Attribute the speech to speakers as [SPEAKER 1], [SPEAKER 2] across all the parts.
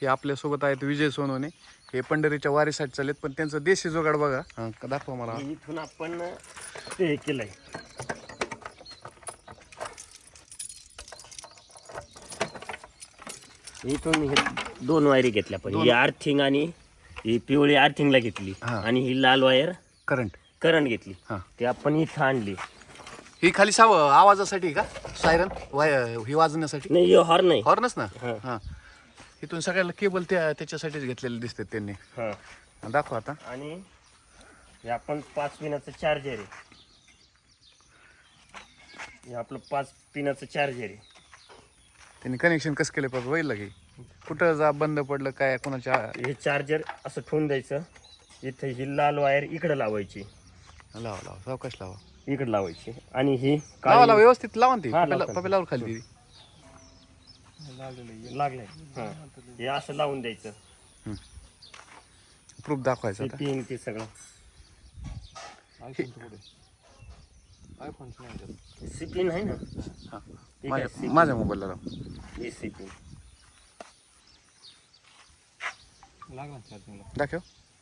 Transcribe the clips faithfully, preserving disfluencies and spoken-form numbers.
[SPEAKER 1] हे आपल्यासोबत आहेत विजय सोनवणे, हे पंढरीच्या वारीसाठी चाललेत, पण त्यांचं देशी जोगाड बघा. हा, दाखवा मला.
[SPEAKER 2] इथून आपण ते केलंय. इथून हे दोन वायरी घेतल्या, पण ही आर्थिंग आणि ही पिवळी आर्थिंगला घेतली आणि ही लाल वायर
[SPEAKER 1] करंट
[SPEAKER 2] करंट घेतली.
[SPEAKER 1] हा.
[SPEAKER 2] ते आपण इथं आणली.
[SPEAKER 1] ही खाली साव आवाजासाठी का सायरन वाय ही वाजवण्यासाठी?
[SPEAKER 2] नाही, हे हॉर्न नाही.
[SPEAKER 1] हॉर्नच ना.
[SPEAKER 2] हा.
[SPEAKER 1] हा, इथून सगळ्याला केबल त्या त्याच्यासाठीच घेतलेले दिसतात त्यांनी.
[SPEAKER 2] हा.
[SPEAKER 1] दाखवा आता.
[SPEAKER 2] आणि हे आपण पाच पिनाचं चार्जर आहे. हे आपलं पाच पिनाचं चार्जर आहे.
[SPEAKER 1] त्यांनी कनेक्शन कसं केलं पाहिजे होईल की कुठं जा बंद पडलं काय कोणाच्या.
[SPEAKER 2] हे चार्जर असं ठेवून द्यायचं. इथं ही लाल वायर इकडे लावायची.
[SPEAKER 1] लावा लावा सावकाश लावा.
[SPEAKER 2] इकडे लावायची आणि ही
[SPEAKER 1] लावा लावा व्यवस्थित लावा ना ती.
[SPEAKER 2] हा,
[SPEAKER 1] पप्याला-
[SPEAKER 2] लावतो.
[SPEAKER 1] पप्यालावर खाली ती.
[SPEAKER 2] लागलंय. हा. हे असं लावून द्यायचं.
[SPEAKER 1] प्रूफ दाखवायचं
[SPEAKER 2] ते
[SPEAKER 1] आता.
[SPEAKER 2] पिन ते सगळं. सी पिन आहे ना.
[SPEAKER 1] हा.
[SPEAKER 2] ठीक आहे,
[SPEAKER 1] माझ्या माझ्या मोबाईलला लाव.
[SPEAKER 2] हे सी पिन.
[SPEAKER 1] दाखव.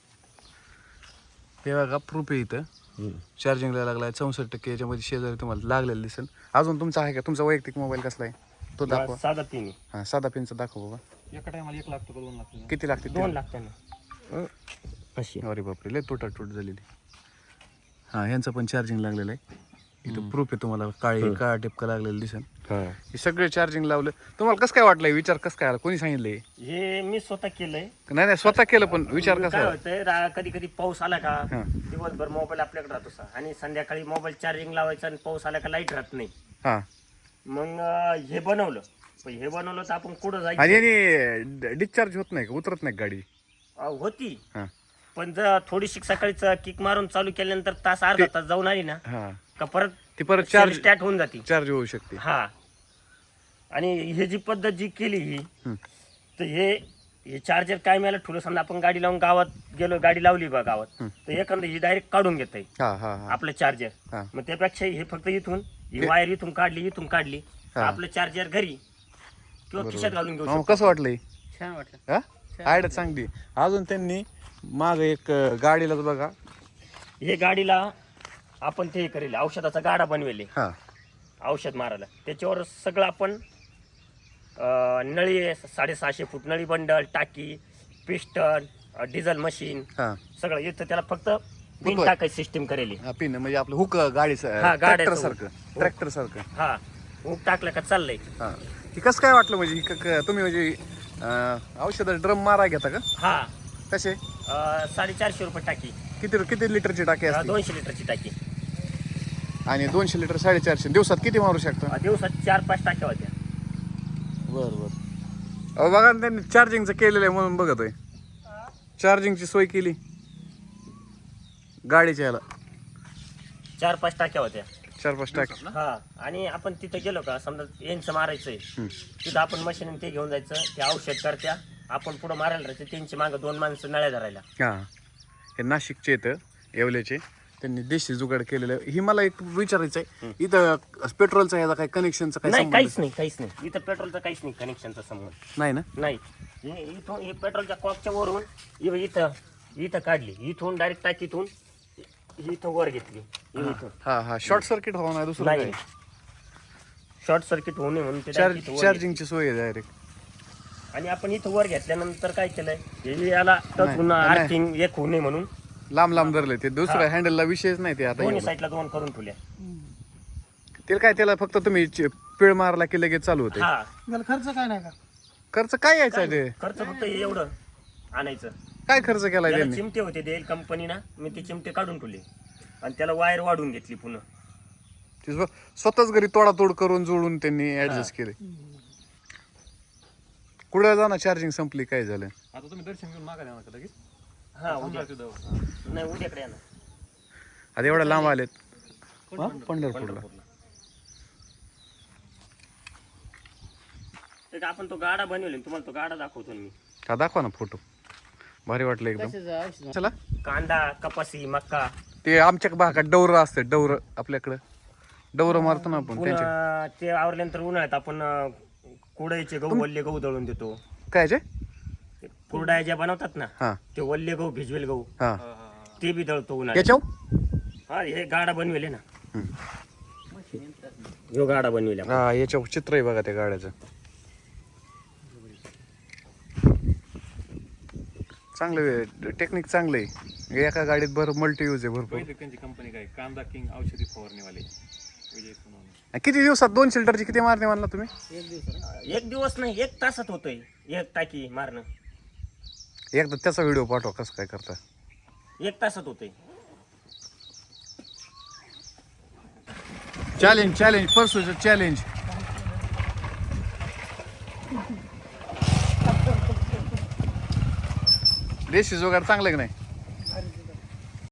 [SPEAKER 1] हे बघा प्रूफ आहे इथं. चार्जिंगला लागलाय चौसष्ट टक्के. याच्यामध्ये शेजारी तुम्हाला लागलेलं दिसेल. अजून तुमचा आहे का? तुमचा वैयक्तिक मोबाईल कसला आहे तो दाखवा.
[SPEAKER 2] साधा पिन आहे.
[SPEAKER 1] हा, साधा पिनचा दाखव बाबा.
[SPEAKER 3] एका टायमाला एक लागतो का दोन लागतो?
[SPEAKER 1] किती लागते?
[SPEAKER 2] दोन लागतं ना. अशी.
[SPEAKER 1] अरे बापरे, लय तुटाटूट झालेली. हा, यांचं पण चार्जिंग लागलेलं आहे. इथं प्रूफ आहे तुम्हाला. काळी काळा टिपका लागलेलं दिसेल. हे सगळे चार्जिंग लावलं. तुम्हाला कसं काय वाटलंय? विचार कसं काय आला? कोणी सांगितलंय?
[SPEAKER 2] हे मी स्वतः केलंय.
[SPEAKER 1] नाही नाही स्वतः केलं, पण विचार कसा
[SPEAKER 2] काय
[SPEAKER 1] आला?
[SPEAKER 2] होतंय, कधी कधी पाऊस आला का
[SPEAKER 1] हा.
[SPEAKER 2] दिवसभर मोबाईल आपल्याकडे राहतो सा आणि संध्याकाळी मोबाईल चार्जिंग लावायचा आणि पाऊस आला का लाईट राहत नाही.
[SPEAKER 1] हा,
[SPEAKER 2] मग अं, हे बनवलं. पण हे बनवलं तर आपण कुठं
[SPEAKER 1] आणि
[SPEAKER 2] जायचं.
[SPEAKER 1] याने डिस्चार्ज होत नाही का? उतरत नाही का गाडी?
[SPEAKER 2] अं, होती.
[SPEAKER 1] हा
[SPEAKER 2] पण जर थोडीशी सकाळीच किक मारून चालू केल्यानंतर तास अर्धा तास जाऊन आली ना
[SPEAKER 1] हा,
[SPEAKER 2] का परत
[SPEAKER 1] ती परत चार्ज
[SPEAKER 2] स्टार्ट होऊन जाते.
[SPEAKER 1] चार्ज होऊ शकते.
[SPEAKER 2] हा. आणि हे जी पद्धत जी केली ही,
[SPEAKER 1] हम्म.
[SPEAKER 2] तर हे हे चार्जर काय मिळालं ठुलं. समजा आपण गाडी लावून गावात गेलो, गाडी लावली बा गावात, तर एखादं ही डायरेक्ट काढून घेत आहे
[SPEAKER 1] हा हा हा
[SPEAKER 2] आपलं चार्जर.
[SPEAKER 1] हा.
[SPEAKER 2] मग त्यापेक्षा हे फक्त इथून ही वायर इथून काढली, इथून काढली,
[SPEAKER 1] हा.
[SPEAKER 2] आपलं चार्जर घरी किंवा खिशात घालून घेऊ
[SPEAKER 1] मग
[SPEAKER 2] शकतो.
[SPEAKER 1] कसं वाटलंय?
[SPEAKER 2] छान वाटलं.
[SPEAKER 1] हा, आयडिया चांगली. अजून त्यांनी माग एक अं, गाडीलाच बघा.
[SPEAKER 2] हे गाडीला आपण ते करेल औषधाचा गाडा बनवेल
[SPEAKER 1] हा
[SPEAKER 2] औषध मारायला. त्याच्यावर सगळं आपण अं, नळी साडेसहाशे फूट नळी बंडल, टाकी, पिस्टन, डिझेल मशीन,
[SPEAKER 1] हा
[SPEAKER 2] सगळं इथं. त्याला फक्त पिन
[SPEAKER 1] होय.
[SPEAKER 2] टाकायची सिस्टीम करेल.
[SPEAKER 1] हा, पिन म्हणजे आपलं हुक गाडीचं
[SPEAKER 2] हा, गाड्याचं
[SPEAKER 1] ट्रॅक्टर
[SPEAKER 2] हुक.
[SPEAKER 1] सारखं ट्रॅक्टर सारखं.
[SPEAKER 2] हा, ऊक टाकलं का चाललंय.
[SPEAKER 1] हा, ही कसं काय वाटलं म्हणजे? ही क- क- तुम्ही म्हणजे अं, औषधाचा ड्रम मारा घेता का?
[SPEAKER 2] हा.
[SPEAKER 1] कसे?
[SPEAKER 2] अं, साडेचारशे रुपये टाकी.
[SPEAKER 1] किती किती लिटरची टाकी
[SPEAKER 2] अं,
[SPEAKER 1] असते?
[SPEAKER 2] दोनशे लिटरची टाकी.
[SPEAKER 1] आणि दोनशे लिटर साडेचारशे दिवसात किती मारू शकता?
[SPEAKER 2] अं, दिवसात चार पाच टाक्या होत्या.
[SPEAKER 1] बर बर. अहो बघा ना, त्यांनी चार्जिंगचं केलेलं आहे म्हणून बघत आहे. चार्जिंगची सोय केली गाडीच्या याला.
[SPEAKER 2] चार पाच टाक्या होत्या.
[SPEAKER 1] चार पाच टाकी.
[SPEAKER 2] हा. आणि आपण तिथं गेलो का समजा यांचं मारायचंय, तिथं आपण मशीन ते घेऊन जायचं. ते औषध करत्या, आपण पुढं मारायला राहायचं. त्यांची मागं दोन माणसं नळ्या धरायला.
[SPEAKER 1] हा, हे नाशिकचे आहेत येवल्याचे. त्यांनी देशी जुगाड केलेलं आहे. ही मला एक विचारायचं आहे, इथं पेट्रोलचा याचा काही कनेक्शनचा काही
[SPEAKER 2] नाही,
[SPEAKER 1] संबंध
[SPEAKER 2] काहीच नाही, काहीच नाही. इथं पेट्रोलचं काहीच नाही कनेक्शनचा संबंध.
[SPEAKER 1] नाही ना?
[SPEAKER 2] नाही. हे इथून हे पेट्रोलच्या कॉकच्या वरून इ- इथं इथं काढली. इथून डायरेक्ट टाकीतून इ- इथं वर घेतली. इ- इथून
[SPEAKER 1] हा हा, शॉर्ट सर्किट होणार नाही दुसरं
[SPEAKER 2] नाही,
[SPEAKER 1] काय?
[SPEAKER 2] शॉर्ट सर्किट होऊ नये म्हणून ते
[SPEAKER 1] चार्ज
[SPEAKER 2] direct इथं वर
[SPEAKER 1] चार्जिंगची सोय आहे डायरेक्ट.
[SPEAKER 2] घेतली. आणि आपण इथं वर घेतल्यानंतर काय केलंय, हे याला टच होऊन
[SPEAKER 1] नाही.
[SPEAKER 2] आर्थिंग एक होऊ नये म्हणून
[SPEAKER 1] लांब लांब धरले ते. दुसऱ्या हँडलला विषयच नाही ते. आता
[SPEAKER 2] दोन्ही
[SPEAKER 1] एवढं.
[SPEAKER 2] साईडला दोन करून ठेवल्या.
[SPEAKER 1] ते काय त्याला फक्त तुम्ही च- पिळ मारला की लगेच चालू होते.
[SPEAKER 2] हा.
[SPEAKER 3] त्याला खर्च काय नाही का?
[SPEAKER 1] खर्च काय यायचा आहे ते?
[SPEAKER 2] खर्च फक्त हे एवढं आणायचं.
[SPEAKER 1] काय खर्च केलाय
[SPEAKER 2] त्याला
[SPEAKER 1] त्यांनी?
[SPEAKER 2] चिमटे होते देईल कंपनीना, मी ते चिमटे काढून ठेवले आणि त्याला वायर वाढून घेतली पुन्हा.
[SPEAKER 1] ते स्व- स्वतःच घरी तोडातोड करून जोडून त्यांनी ऍडजस्ट केले. कुठं जाणार चार्जिंग संपली काय झालं?
[SPEAKER 3] आता तुम्ही दर्शन घेऊन मागा द्या लगेच.
[SPEAKER 2] हा, उद्या नाही, उद्याकडे या ना.
[SPEAKER 1] आता एवढ्या लांब आलेत. हा? पंढरपूरला.
[SPEAKER 2] ते का आपण तो गाडा बनवले, तुम्हाला तो गाडा दाखवतो ना मी.
[SPEAKER 1] हा, दाखवा ना फोटो. भारी वाटलं एकदम. चला.
[SPEAKER 2] कांदा, कपासी, मक्का,
[SPEAKER 1] ते आमच्या भागात डवरं असते. डवरं आपल्याकडं डवरं मारतो ना आपण त्यांचे.
[SPEAKER 2] पुन्हा ते आवरल्यानंतर उन्हाळ्यात आपण अं, कुडायचे गहू, वल्ले गहू दळून देतो.
[SPEAKER 1] काय जे?
[SPEAKER 2] कुरड्या ज्या बनवतात ना
[SPEAKER 1] हा
[SPEAKER 2] ते वल्ले गहू भिजवेल गहू
[SPEAKER 1] हा
[SPEAKER 2] ते बी दळतो उन्हाळ्यात.
[SPEAKER 1] याच्यावर
[SPEAKER 2] हा हे गाडा बनवेल ना ह्यो गाडा बनवेल आपण.
[SPEAKER 1] हा याच्यावर चित्र आहे बघा त्या गाड्याचं. चांगलं टेक्निक चांगलं आहे. एका गाडीत भर मल्टी यूज आहे भरपूर.
[SPEAKER 3] पहिले त्यांची कंपनी काय कांदा किंग औषधी फवारणीवाले विजय सोनवणे.
[SPEAKER 1] किती दिवसात दोन शिल्टरची किती मारणे म्हणला तुम्ही?
[SPEAKER 2] एक दिवस नाही एक तासात होतोय एक टाकी मारणं.
[SPEAKER 1] एकदा त्याचा व्हिडिओ पाठवा कसं काय करता.
[SPEAKER 2] एक तासात होतोय.
[SPEAKER 1] चॅलेंज चॅलेंज परसूचं चॅलेंज. देशी जोगाड चांगलं की नाही?